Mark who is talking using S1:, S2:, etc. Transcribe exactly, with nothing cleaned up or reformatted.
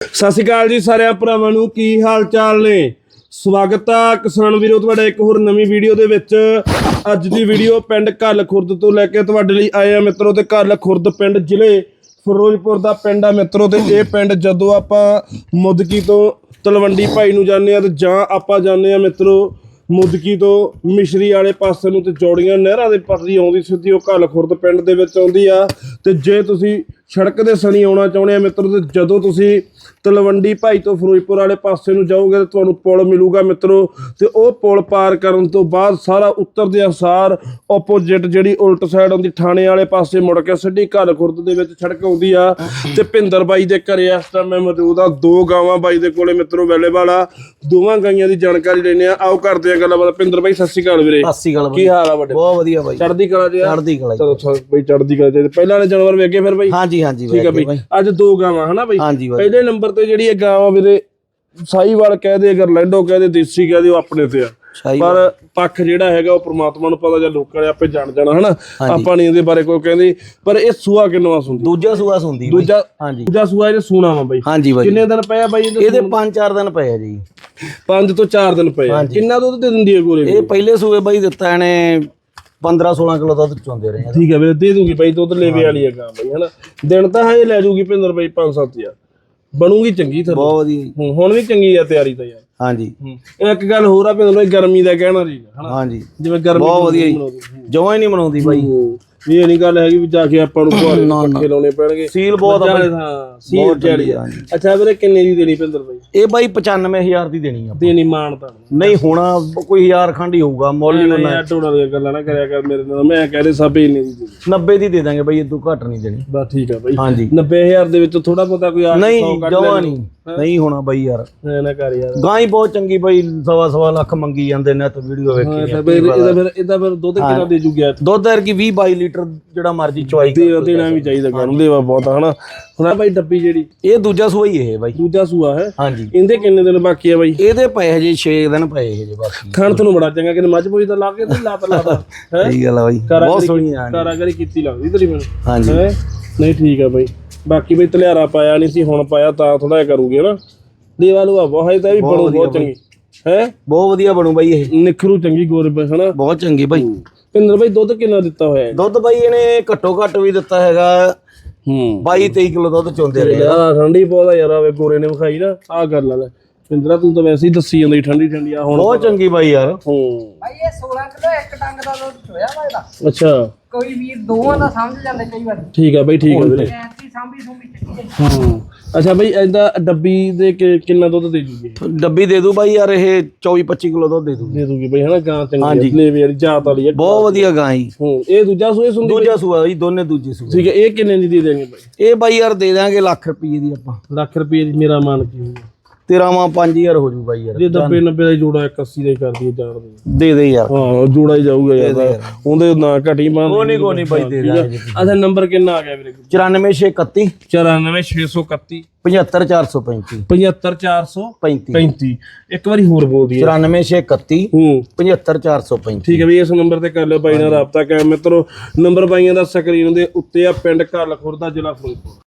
S1: ਸਤਿ ਸ਼੍ਰੀ ਅਕਾਲ ਜੀ ਸਾਰਿਆਂ ਭਰਾਵਾਂ ਨੂੰ, ਕੀ ਹਾਲ ਚਾਲ ਨੇ। ਸਵਾਗਤ ਆ ਕਿਸਾਨ ਵੀਰੋ ਤੁਹਾਡਾ ਇੱਕ ਹੋਰ ਨਵੀਂ ਵੀਡੀਓ ਦੇ ਵਿੱਚ। ਅੱਜ ਦੀ ਵੀਡੀਓ ਪਿੰਡ ਘੱਲ ਖੁਰਦ ਤੋਂ ਲੈ ਕੇ ਤੁਹਾਡੇ ਲਈ ਆਏ ਆ ਮਿੱਤਰੋ। ਤੇ ਘੱਲ ਖੁਰਦ ਪਿੰਡ ਜ਼ਿਲ੍ਹੇ ਫਿਰੋਜ਼ਪੁਰ ਦਾ ਪਿੰਡ ਆ ਮਿੱਤਰੋ। ਤੇ ਇਹ ਪਿੰਡ ਜਦੋਂ ਆਪਾਂ ਮੁਦਕੀ ਤੋਂ ਤਲਵੰਡੀ ਭਾਈ ਨੂੰ ਜਾਂਦੇ ਆ ਤੇ ਜਾਂ ਆਪਾਂ ਜਾਂਦੇ ਆ ਮਿੱਤਰੋ ਮੁਦਕੀ ਤੋਂ ਮਿਸ਼ਰੀ ਵਾਲੇ ਪਾਸੇ ਨੂੰ, ਤੇ ਜੋੜੀਆਂ ਨਹਿਰਾਂ ਦੇ ਪਰਦੀ ਆਉਂਦੀ ਸਿੱਧੀ ਉਹ ਘੱਲ ਖੁਰਦ ਪਿੰਡ ਦੇ ਵਿੱਚ ਆਉਂਦੀ ਆ। ਤੇ ਜੇ ਤੁਸੀਂ ਸੜਕ ਦੇ ਸਣੀ ਆਉਣਾ ਚਾਹੁੰਦੇ ਆ ਮਿੱਤਰੋ, ਤੇ ਜਦੋਂ ਤੁਸੀਂ ਤਲਵੰਡੀ ਭਾਈ ਤੋਂ ਫਿਰੋਜ਼ਪੁਰ ਵਾਲੇ ਪਾਸੇ ਨੂੰ ਜਾਓਗੇ ਤਾਂ ਤੁਹਾਨੂੰ ਪੁਲ ਮਿਲੂਗਾ ਮਿੱਤਰੋ। ਤੇ ਉਹ ਪੁਲ ਪਾਰ ਕਰਨ ਤੋਂ ਬਾਅਦ ਸਾਰਾ ਉੱਤਰਦੇ ਅਨੁਸਾਰ ਆਪੋਜਿਟ ਜਿਹੜੀ ਉਲਟ ਸਾਈਡ ਆਉਂਦੀ ਥਾਣੇ ਵਾਲੇ ਪਾਸੇ ਮੁੜ ਕੇ ਸਿੱਧੀ ਘੱਲ ਖੁਰਦ ਦੇ ਵਿੱਚ ਸੜਕ ਆਉਂਦੀ ਆ। ਤੇ ਭਿੰਦਰ ਬਾਈ ਦੇ ਘਰੇ ਇਸ ਟਾਈਮ ਮੈਂ ਮੌਜੂਦ ਆ। ਦੋ ਗਾਵਾਂ ਬਾਈ ਦੇ ਕੋਲੇ ਮਿੱਤਰੋ ਅਵੇਲੇਬਲ ਆ। ਦੋਵਾਂ ਗਾਈਆਂ ਦੀ ਜਾਣਕਾਰੀ ਲੈਣੇ ਆ, ਆਓ ਕਰਦੇ ਆ ਗੱਲਬਾਤ। ਭਿੰਦਰ ਬਾਈ ਸਤਿ ਸ਼੍ਰੀ ਅਕਾਲ ਵੀਰੇ।
S2: ਸਤਿ ਸ਼੍ਰੀ ਅਕਾਲ।
S1: ਕੀ ਹਾਲ ਆ ਵੱਡੇ?
S2: ਬਹੁਤ ਵਧੀਆ ਬਾਈ,
S1: ਚੜ੍ਹਦੀ ਕਲਾ ਜੀ।
S2: ਚੜ੍ਹਦੀ ਕਲਾ।
S1: ਚਲੋ ਬਾਈ ਚੜ੍ਹਦੀ ਕਲਾ ਜੀ। ਪਹਿਲਾਂ ਵਾਲੇ ਜਾਨਵਰ ਵੇਖੇ ਫਿਰ ਬਾਈ?
S2: ਹਾਂਜੀ ਹਾਂਜੀ
S1: ਠੀਕ ਆ ਬਾਈ। ਅੱਜ ਦੋ ਗਾਵਾਂ ਹਨਾ ਬਾਈ?
S2: ਹਾਂਜੀ ਬਾਈ।
S1: ਪਹਿਲੇ ਨੰਬਰ ਤੇ ਜਿਹੜੀ ਇਹ ਗਾਂ ਆ ਵੀਰੇ, ਸਾਹੀਵਾਲ ਕਹਦੇ, ਗਰਲੈਂਡੋ ਕਹਦੇ, ਦੇਸੀ ਕਹਦੇ, ਉਹ ਆਪਣੇ ਤੇ ਆ। ਪਰ ਪੱਖ ਜਿਹੜਾ ਹੈਗਾ ਉਹ ਪ੍ਰਮਾਤਮਾ ਨੂੰ ਪਤਾ, ਜਾਂ ਲੋਕਾਂ ਨੇ ਆਪੇ ਜਾਣ ਜਾਣਾ ਹਨਾ। ਆਪਾਂ ਨਹੀਂ ਇਹਦੇ ਬਾਰੇ ਕੋਈ ਕਹਿੰਦੇ। ਪਰ ਇਹ ਸੂਆ ਕਿੰਨਵਾਂ ਸੁੰਦੀ?
S2: ਦੂਜਾ ਸੂਆ ਸੁੰਦੀ।
S1: ਦੂਜਾ?
S2: ਹਾਂਜੀ
S1: ਦੂਜਾ ਸੂਆ ਇਹਨੇ ਸੂਣਾ ਵਾ ਬਾਈ।
S2: ਹਾਂਜੀ ਬਾਈ।
S1: ਕਿੰਨੇ ਦਿਨ ਪਏ ਆ ਬਾਈ ਇਹਦੇ?
S2: ਇਹਦੇ ਪੰਜ ਚਾਰ ਦਿਨ ਪਏ ਆ ਜੀ।
S1: ਪੰਜ ਤੋਂ ਚਾਰ ਦਿਨ ਪਏ ਆ। ਕਿੰਨਾ ਦੁੱਧ ਦੇ ਦਿੰਦੀ ਹੈ ਗੋਰੇ?
S2: ਇਹ ਪਹਿਲੇ ਸੂਏ ਬਾਈ ਦਿੱਤਾ ਇਹਨੇ ਪੰਦਰਾਂ ਸੋਲਾਂ ਕਿਲੋ ਦੁੱਧ ਚੋਂਦੇ ਰਹੇ।
S1: ਠੀਕ ਹੈ ਵੀਰੇ, ਦੇ ਦੂਗੀ ਬਾਈ ਦੁੱਧ ਲੇਵੇ ਵਾਲੀ ਹੈ ਗਾਂ ਬਾਈ ਹਨਾ। ਦਿਨ ਤਾਂ ਹਜੇ ਲੈ ਜੂਗੀ ਭਿੰਦਰ ਬਾਈ ਪੰਜ ਸੱਤ ਹਜ਼ਾਰ। ਬਣੂਗੀ ਚੰਗੀ ਥੱਲੇ,
S2: ਬਹੁਤ ਵਧੀਆ।
S1: ਹੁਣ ਵੀ ਚੰਗੀ ਆ ਤਿਆਰੀ ਤਾਂ ਯਾਰ।
S2: ਹਾਂਜੀ।
S1: ਇੱਕ ਗੱਲ ਹੋਰ ਆ ਭਿੰਦਰ ਬਾਈ, ਗਰਮੀ ਦਾ ਕਹਿਣਾ ਜੀ ਹਨਾ।
S2: ਹਾਂਜੀ
S1: ਜਿਵੇਂ ਗਰਮੀ
S2: ਬਹੁਤ ਵਧੀਆ, ਜਮਾਂ ਹੀ ਨਹੀਂ ਮਨਾਉਂਦੀ ਬਾਈ।
S1: ਇਹ ਨਹੀਂ ਗੱਲ ਹੈਗੀ ਵੀ ਜਾ ਕੇ ਆਪਾਂ ਨੂੰ ਘੋੜੇ ਪੱਕੇ ਲਾਉਣੇ ਪੈਣਗੇ।
S2: ਸੀਲ ਬਹੁਤ ਆ ਬਾਈ।
S1: ਹਾਂ ਸੀਲ ਚੜੀ ਆ। ਅੱਛਾ ਵੀਰੇ ਕਿੰਨੇ ਦੀ ਦੇਣੀ ਭਿੰਦਰ ਬਾਈ?
S2: ਇਹ ਬਾਈ ਪਚਾਨਵੇਂ ਹਜ਼ਾਰ ਦੀ ਦੇਣੀ ਆ।
S1: ਦੇਣੀ ਮਾਨਤਾ
S2: ਨਹੀਂ ਹੋਣਾ ਕੋਈ ਹਜ਼ਾਰ ਖੰਡ ਹੀ ਹੋਊਗਾ ਮੁੱਲ ਹੀ ਹੋਣਾ।
S1: ਟੋੜਾ ਦੀਆਂ ਗੱਲਾਂ ਨਾ ਕਰਿਆ ਕਰ ਮੇਰੇ ਨਾਲ। ਮੈਂ ਕਹਿ ਰਿਹਾ ਸਭ ਇੰਨੇ ਦੀ
S2: ਨੱਬੇ ਦੀ ਦੇ ਦਾਂਗੇ ਬਾਈ, ਇਦੋਂ ਘੱਟ ਨਹੀਂ ਦੇਣੀ।
S1: ਬਸ ਠੀਕ ਆ ਬਾਈ।
S2: ਹਾਂਜੀ
S1: ਨੱਬੇ ਹਜ਼ਾਰ ਦੇ ਵਿੱਚ ਥੋੜਾ ਬਹੁਤਾ ਕੋਈ ਆ
S2: ਨਹੀਂ ਜਮਾਂ ਨਹੀਂ ਨਹੀਂ ਹੋਣਾ ਬਾਈ ਯਾਰ।
S1: ਨਾ ਕਰ ਯਾਰ,
S2: ਗਾਂ ਹੀ ਬਹੁਤ ਚੰਗੀ ਬਾਈ। ਸਵਾ ਸਵਾ ਲੱਖ ਮੰਗੀ ਜਾਂਦੇ ਨੇ ਤੇ ਵੀਡੀਓ ਵੇਖੀ।
S1: ਇਹਦਾ ਫਿਰ ਇਹਦਾ ਫਿਰ ਦੁੱਧ ਕਿੰਨਾ ਦੇ ਜੂਗਾ?
S2: ਦੁੱਧ ਯਾਰ ਕੀ ਵੀਹ ਬਾਈ ਲੀਟਰ ਜਿਹੜਾ ਮਰਜੀ ਚੁਆਈ
S1: ਦੇਣਾ ਵੀ ਚਾਹੀਦਾ ਗਾਂ ਨੂੰ। ਦੇਵਾ ਬਹੁਤ ਹਨਾ। ਹੁਣ ਬਾਈ ਡੱਬੀ ਜਿਹੜੀ
S2: ਇਹ ਦੂਜਾ ਸੂਆ ਹੀ ਇਹ ਬਾਈ।
S1: ਦੂਜਾ ਸੂਆ ਹੈ।
S2: ਹਾਂਜੀ।
S1: ਇਹਦੇ ਕਿੰਨੇ ਦਿਨ ਬਾਕੀ ਆ ਬਾਈ?
S2: ਇਹਦੇ ਪਏ ਹਜੇ ਛੇ ਦਿਨ ਪਏ ਹਜੇ ਬਾਕੀ।
S1: ਖਾਣ ਤੁਹਾਨੂੰ ਬੜਾ ਚੰਗਾ ਕਿ ਮੱਝ ਪੋਈ ਤਾਂ ਲਾ ਕੇ ਤੇ ਲਾਤਾ ਲਾਤਾ ਹੈ।
S2: ਸਹੀ ਗੱਲ ਆ ਬਾਈ, ਬਹੁਤ ਸੋਹਣੀ ਆ।
S1: ਕਾਰਾਗਰੀ ਕੀਤੀ ਲੱਗਦੀ ਤੇਰੀ ਮੈਨੂੰ।
S2: ਹਾਂਜੀ
S1: ਨਹੀਂ ਠੀਕ ਆ ਬਾਈ। ਬਾਕੀ ਬਈ ਧਲਿਆਰਾ ਪਾਇਆ ਨਹੀਂ ਸੀ, ਹੁਣ ਪਾਇਆ ਤਾਂ ਥੋੜਾ ਜਿਹਾ ਕਰੂਗੀ ਹਨਾ। ਦੇਵਾ ਲੂਆ ਬਹੁਤ ਤਾਂ ਵੀ ਬਣੂ ਬਹੁਤ ਚੰਗੀ ਹੈ।
S2: ਬਹੁਤ ਵਧੀਆ ਬਣੂ ਬਾਈ ਇਹ।
S1: ਨਿਖਰੂ ਚੰਗੀ ਗੋਰੇ ਪੈ ਹਨਾ।
S2: ਬਹੁਤ ਚੰਗੀ ਬਾਈ।
S1: ਭਿੰਦਰ ਬਾਈ ਦੁੱਧ ਕਿੰਨਾ ਦਿੱਤਾ ਹੋਇਆ?
S2: ਦੁੱਧ ਬਾਈ ਇਹਨੇ ਘੱਟੋ ਘੱਟ ਵੀ ਦਿੱਤਾ ਹੈਗਾ
S1: ਹੂੰ
S2: ਬਾਈ ਤੇਈ ਕਿਲੋ ਦੁੱਧ ਚੋਂਦੇ ਰਹੇ ਆ।
S1: ਠੰਡੀ ਬਹੁਤ ਆ ਯਾਰ। ਆਵੇ ਗੋਰੇ ਨੇ ਵਿਖਾਈ ਨਾ ਆਹ ਗੱਲ ਆ। ਭਿੰਦਰਾ ਤੂੰ ਤਾਂ ਵੈਸੇ ਹੀ ਦੱਸੀ ਜਾਂਦਾ ਠੰਡੀ ਠੰਡੀ ਆ। ਹੁਣ
S2: ਬਹੁਤ ਚੰਗੀ ਬਾਈ ਯਾਰ।
S1: ਹੂੰ
S3: ਭਾਈ ਇਹ ਸੋਲਾਂ ਕਿਲੋ ਇੱਕ ਟੰਗ ਦਾ ਦੁੱਧ ਹੋਇਆ ਵਾ ਇਹਦਾ।
S1: ਅੱਛਾ
S3: ਕੋਈ ਵੀਰ ਦੋਵਾਂ ਦਾ ਸਮਝ ਜਾਂਦੇ ਕਈ ਵਾਰ।
S1: ਠੀਕ ਆ ਬਾਈ, ਠੀਕ ਆ ਵੀਰੇ।
S3: ਐਸੀ ਸਾਂਭੀ ਸੁੰਭੀ ਚੱਕੀ ਹੈ।
S1: ਹੂੰ ਅੱਛਾ ਬਾਈ, ਇਹਦਾ ਡੱਬੀ ਦੇ ਕਿ- ਕਿੰਨਾ ਦੁੱਧ ਦੇ ਜੂਗੀ?
S2: ਡੱਬੀ ਦੇ ਦੂ ਬਾਈ ਯਾਰ, ਇਹ ਚੌਵੀ ਪੱਚੀ ਕਿਲੋ ਦੁੱਧ ਦੇ ਦੂ।
S1: ਦੇ ਦੂਗੀ ਬਾਈ ਹਨਾ। ਗਾਂ ਚੰਗੀ ਲੇਵੇ ਵਾਲੀ ਜਾਤ ਵਾਲੀ ਹੈ,
S2: ਬਹੁਤ ਵਧੀਆ ਗਾਂ ਹੀ।
S1: ਹੂੰ ਇਹ ਦੂਜਾ ਸੂਏ ਸੁੰਦੀ?
S2: ਦੂਜਾ ਸੂਆ ਜੀ, ਦੋਨੇ ਦੂਜੇ ਸੂਏ।
S1: ਠੀਕ ਹੈ। ਇਹ ਕਿੰਨੇ ਦੀ ਦੇ ਦੇਂਗੇ ਬਾਈ?
S2: ਇਹ ਬਾਈ ਯਾਰ ਦੇ ਦਾਂਗੇ ਲੱਖ ਰੁਪਏ ਦੀ ਆਪਾਂ।
S1: ਲੱਖ ਰੁਪਏ ਦੀ ਮੇਰਾ ਮਾਨ ਕੀ ਹੋਊਗਾ?
S2: ਤੇਰਾ ਮਾਂ ਪੰਜ ਹਜ਼ਾਰ ਹੋ ਜੂ ਬਾਈ ਯਾਰ।
S1: ਜੇ ਨੱਬੇ ਨੱਬੇ ਦਾ ਜੋੜਾ ਇੱਕ ਅੱਸੀ ਦਾ ਹੀ ਕਰ ਦਈਏ ਚਾਰ ਦੇ।
S2: ਦੇ ਦੇ ਯਾਰ।
S1: ਹਾਂ ਜੋੜਾ ਹੀ ਜਾਊਗਾ ਯਾਰ। ਉਹਦੇ ਨਾ ਘਟੀ ਬੰਦ।
S2: ਕੋਨੀ ਕੋਨੀ ਬਾਈ ਦੇ ਦਾਂਗੇ।
S1: ਅੱਛਾ ਨੰਬਰ ਕਿੰਨਾ ਆ ਗਿਆ ਵੀਰੇ?
S2: ਚੁਰਾਨਵੇਂ ਛੇ ਇਕੱਤੀ
S1: ਚੁਰਾਨਵੇਂ ਛੇ ਸੌ ਇਕੱਤੀ
S2: ਪਝੱਤਰ ਚਾਰ ਸੌ ਪੈਂਤੀ
S1: ਪਝੱਤਰ ਚਾਰ ਸੌ
S2: ਪੈਂਤੀ
S1: ਪੈਂਤੀ। ਇੱਕ ਵਾਰੀ ਹੋਰ ਬੋਲ ਦਈਏ।
S2: ਚੁਰਾਨਵੇਂ ਛੇ ਇਕੱਤੀ
S1: ਹੂੰ
S2: ਪਝੱਤਰ ਚਾਰ ਸੌ ਪੈਂਤੀ।
S1: ਠੀਕ ਹੈ ਵੀ ਇਸ ਨੰਬਰ ਤੇ ਕਰ ਲਿਓ ਬਾਈ ਨਾਲ ਰਾਬਤਾ ਕਾਇਮ ਮਿੱਤਰੋ। ਨੰਬਰ ਬਾਈਆਂ ਦਾ ਸਕਰੀਨ ਦੇ ਉੱਤੇ ਆ। ਪਿੰਡ ਘੱਲ ਖੁਰਦ, ਜ਼ਿਲ੍ਹਾ ਫਿਰੋਜ਼ਪੁਰ।